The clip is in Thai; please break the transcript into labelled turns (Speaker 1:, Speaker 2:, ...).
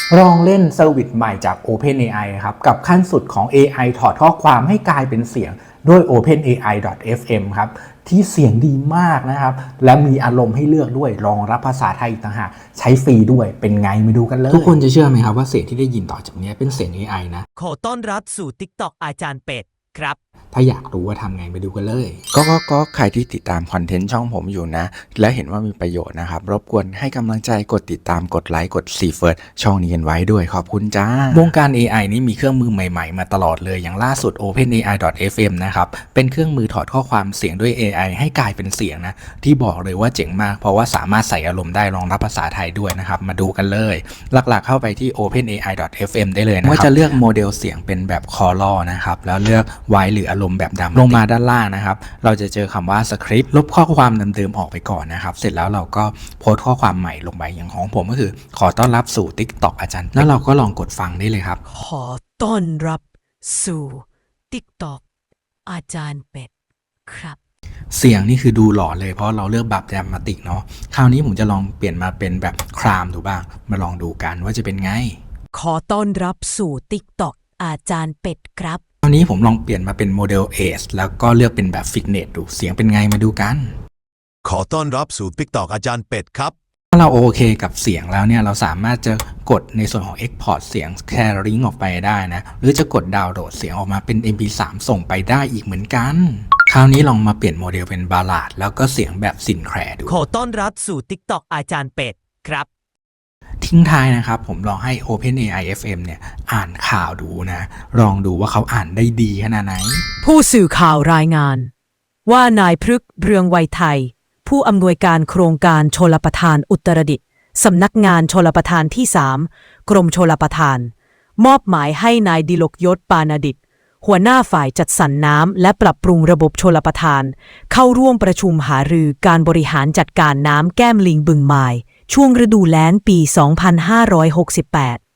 Speaker 1: ลองเล่นเซอร์วิสใหม่จาก OpenAI ครับกับขั้นสุดของ AI ถอดข้อความให้กลายเป็นเสียงด้วย OpenAI.fm ครับที่เสียงดีมากนะครับและมีอารมณ์ให้เลือกด้วยรองรับภาษาไทยอีกต่างหากใช้ฟรีด้วยเป็นไงมาดูกันเลยทุกคนจะเชื่อไหมครับว่าเสียงที่ได้ยินต่อจากนี้เป็นเสียง AI นะ
Speaker 2: ขอต้อนรับสู่ TikTok อาจารย์เป็ดครับ
Speaker 1: ถ้าอยากรู้ว่าทำไงไปดูกันเลย
Speaker 3: ก็ใครที่ติดตามคอนเทนต์ช่องผมอยู่นะและเห็นว่ามีประโยชน์นะครับรบกวนให้กำลังใจกดติดตามกดไลค์กดซีเฟิร์สช่องนี้กันไว้ด้วยขอบคุณจ้าวงการ AI นี่มีเครื่องมือใหม่ๆมาตลอดเลยอย่างล่าสุด OpenAI.fm นะครับเป็นเครื่องมือถอดข้อความเสียงด้วย AI ให้กลายเป็นเสียงนะที่บอกเลยว่าเจ๋งมากเพราะว่าสามารถใส่อารมณ์ได้รองรับภาษาไทยด้วยนะครับมาดูกันเลยหลักๆเข้าไปที่ OpenAI.fm ได้เลยนะครับว่าจะเลือกโมเดลเสียงเป็นแบบ Callor นะครับแล้วเลือกไว้หรืออารมณ์แบบดำลงมาด้านล่างนะครับเราจะเจอคำว่าสคริปต์ลบข้อความเดิมๆออกไปก่อนนะครับเสร็จแล้วเราก็โพสต์ข้อความใหม่ลงไปอย่างของผมก็คือขอต้อนรับสู่ TikTok อาจารย์แล้วเราก็ลองกดฟังได้เลยครับ
Speaker 2: ขอต้อนรับสู่ TikTok อาจารย์เป็ดครับ
Speaker 1: เสียงนี่คือดูหล่อเลยเพราะเราเลือกแบบแดมมาติกเนาะคราวนี้ผมจะลองเปลี่ยนมาเป็นแบบครามดูบ้างมาลองดูกันว่าจะเป็นไง
Speaker 2: ขอต้อนรับสู่ TikTok อาจารย์เป็ดครับ
Speaker 1: คราวนี้ผมลองเปลี่ยนมาเป็นโมเดล Age แล้วก็เลือกเป็นแบบฟิตเนสดูเสียงเป็นไงมาดูกัน
Speaker 4: ขอต้อนรับสู่ TikTok อาจารย์เป็ดครับ
Speaker 1: ถ้าเราโอเคกับเสียงแล้วเนี่ยเราสามารถจะกดในส่วนของ Export เสียง Sharing ออกไปได้นะหรือจะกดดาวน์โหลดเสียงออกมาเป็น MP3 ส่งไปได้อีกเหมือนกันคราวนี้ลองมาเปลี่ยนโมเดลเป็นบาลาดแล้วก็เสียงแบบซินแคลร์ดู
Speaker 2: ขอต้อนรับสู่ TikTok อาจารย์เป็ดครับ
Speaker 1: ทิ้งท้ายนะครับผมลองให้ OpenAI FM เนี่ยอ่านข่าวดูนะลองดูว่าเขาอ่านได้ดีขนาดไหน
Speaker 2: ผู้สื่อข่าวรายงานว่านายพฤกษ์เรืองไวยไทยผู้อำนวยการโครงการชลประทานอุตรดิตถ์สำนักงานชลประทานที่ 3 กรมชลประทานมอบหมายให้นายดิลกยศปานาดิษฐ์หัวหน้าฝ่ายจัดสรรน้ำและปรับปรุงระบบชลประทานเข้าร่วมประชุมหารือการบริหารจัดการน้ำแก้มลิงบึงไมล์ช่วงฤดูแล้งปี 2568